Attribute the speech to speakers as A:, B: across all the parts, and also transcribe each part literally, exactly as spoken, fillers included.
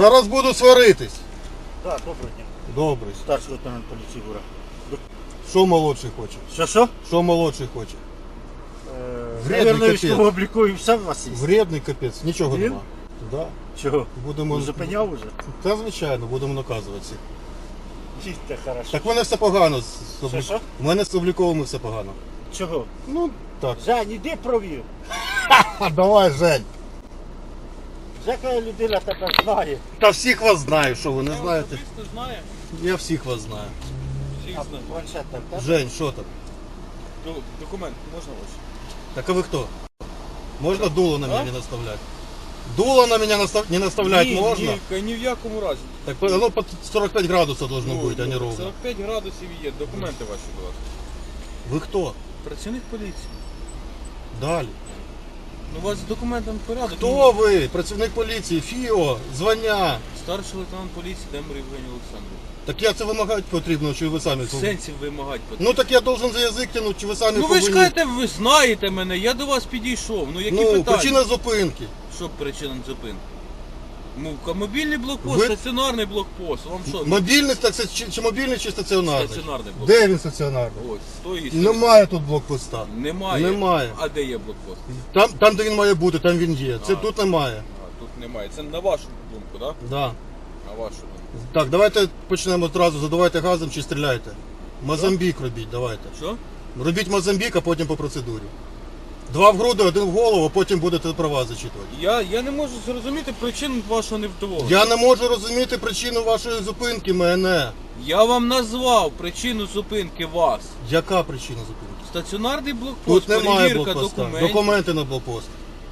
A: Зараз буду сваритись.
B: Так, доброго дня.
A: Добре.
B: Старший лейтенант поліції Гура.
A: Що молодший хоче?
B: Що, що?
A: Що молодший хоче? Вредний
B: Наверное,
A: капець.
B: військового обліку і все у вас є.
A: Вредний капець, нічого
B: Він?
A: нема. Да.
B: Чого?
A: Будемо...
B: Зупиняв уже?
A: Та звичайно, будемо наказуватися.
B: Їдьте, хорошо.
A: Так в мене все погано. з- з облік-
B: Що-що?
A: В мене з обліковими все погано.
B: Чого?
A: Ну, так.
B: Жень, іди провір.
A: А давай, Жень.
B: Жека людина тебе знає.
A: Та всіх вас знаю, що ви не знаєте.
C: Особисто знає.
A: Я всіх вас знаю.
C: Всіх
B: А
C: знає.
B: планшет там, так?
A: Жень, що там?
C: Ду- Документ можна ваш?
A: Так а вы кто? Можно дуло на меня
C: А?
A: не наставлять? Дуло на меня настав... не наставлять
C: ні,
A: можно?
C: Ні, ні в якому разі.
A: Так оно под сорок пять градусов должно
C: Ну,
A: быть, а не ровно.
C: сорок п'ять градусів є. Документи ваші, будь ласка.
A: Вы кто?
C: Працівник поліції.
A: Далі.
C: Ну, у вас з документом порядок.
A: Хто ви? Працівник поліції, ФІО, звання.
C: Старший лейтенант поліції Демир Євгеній Олександрович.
A: Так я це вимагати потрібно, чи ви самі?
C: В сенсі вимагати потрібно.
A: Ну так я должен за язик тянуть, чи ви самі
C: Ну ви ж
A: повинні?
C: кажете, ви знаєте мене, я до вас підійшов. Ну які
A: Ну,
C: питання?
A: причина зупинки.
C: Що причина зупинки? Ну, мобільний блокпост,
A: Ви-
C: стаціонарний блокпост. Вам що?
A: Мобільний, так це чи, чи мобільний, чи стаціонарний?
C: Стаціонарний блокпост.
A: Де він стаціонарний?
C: Ось, стоїть.
A: Немає тут блокпоста.
C: Немає.
A: Немає.
C: А де є блокпост?
A: Там, там, де він має бути, там він є. Це
C: А.
A: тут немає.
C: А, тут немає. Це на вашу думку, так?
A: Да.
C: На вашу думку.
A: Так, давайте почнемо одразу, задавайте газом чи стріляйте. Мозамбік робіть, давайте.
C: Що?
A: Робіть Мозамбік, а потім по процедурі. Два в груди, один в голову, а потім будете права зачитувати.
C: Я, я не можу зрозуміти причину вашого невдоволення.
A: Я не можу розуміти причину вашої зупинки мене.
C: Я вам назвав причину зупинки вас.
A: Яка причина зупинки?
C: Стаціонарний блокпост,
A: Тут немає
C: перевірка
A: блокпоста.
C: документів.
A: Документи на блокпост.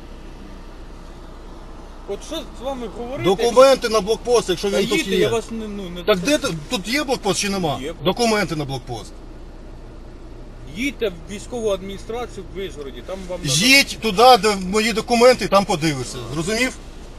C: От що з вами говорити?
A: Документи на блокпост, якщо
C: Та
A: він тут
C: їдьте,
A: є.
C: я вас не, ну, не...
A: Так де ти- тут є блокпост чи нема?
C: Є.
A: Документи на блокпост.
C: Їдьте в військову адміністрацію в Вишгороді, там вам... надо-
A: Їдь туди, де мої документи, і там подивишся. Зрозумів?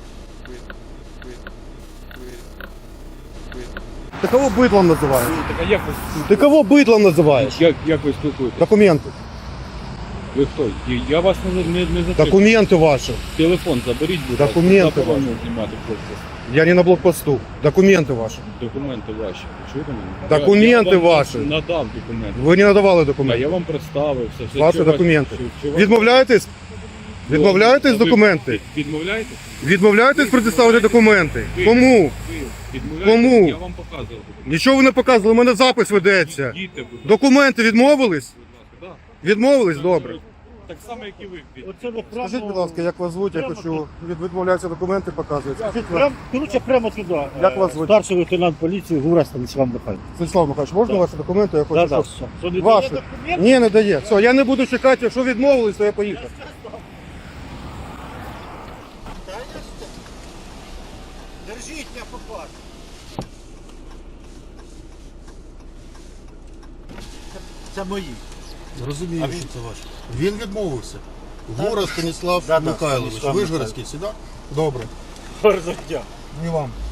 A: Ты кого быдлом называешь?
D: Так а як ви,
A: Ты кого быдлом называешь?
D: як, як ви спілкуєтесь?
A: Документы.
D: Ви хто? Я- Я вас не, не, не затримую.
A: Документы ваши.
D: Телефон заберіть, будь ласка.
A: Документи
D: Заборонено знімати хлопці.
A: Я не на блокпосту. Документы ваши.
D: Документи ваші. Ви чуєте мене?
A: Документи
D: я, я вам
A: ваші.
D: Надав документи.
A: Ви не надавали
D: А
A: документи.
D: я вам представився. Все,
A: Ваші
D: чи вас-
A: документи.
D: чи- чи вас-
A: Відмовляєтесь? Відмовляєтесь
D: Ви
A: документи?
D: Відмовляєтесь?
A: Відмовляєтесь предоставити документи? Кому?
D: Ви відмовляєтесь?
A: Кому?
D: Я вам показував документи.
A: Нічого ви не показували, у мене запис ведеться.
D: Їдьте, будь ласка.
A: Документи відмовились?
D: Да.
A: Відмовились? Добре.
D: Так само, як і ви.
B: Оце ви прямо...
A: Скажіть, будь ласка, як вас звуть, я
B: Прямо
A: хочу від відмовляються документи показувати. Скажіть,
B: Прям, короче, прямо туди.
A: Як
B: Е,
A: вас звуть?
B: Старший лейтенант поліції Гура Станіслав Михайлович.
A: Станіслав Михайлович, можна ваші документи? Я хочу,
B: Да, да,
A: щоб...
B: все. Що, не
A: Ваші.
B: дає документ?
A: Ні, не дає. Все, я не буду чекати, якщо відмовились, то я поїхав.
B: Держіть мене попасть. Це мої.
A: Розумію,
B: А він-
A: що це ваше. Він відмовився. Гура Станіслав
B: Да, да,
A: Михайлович.
B: Станіслав
A: Вижгородський, сюди? Добре.
B: Гарного дня.
A: І вам.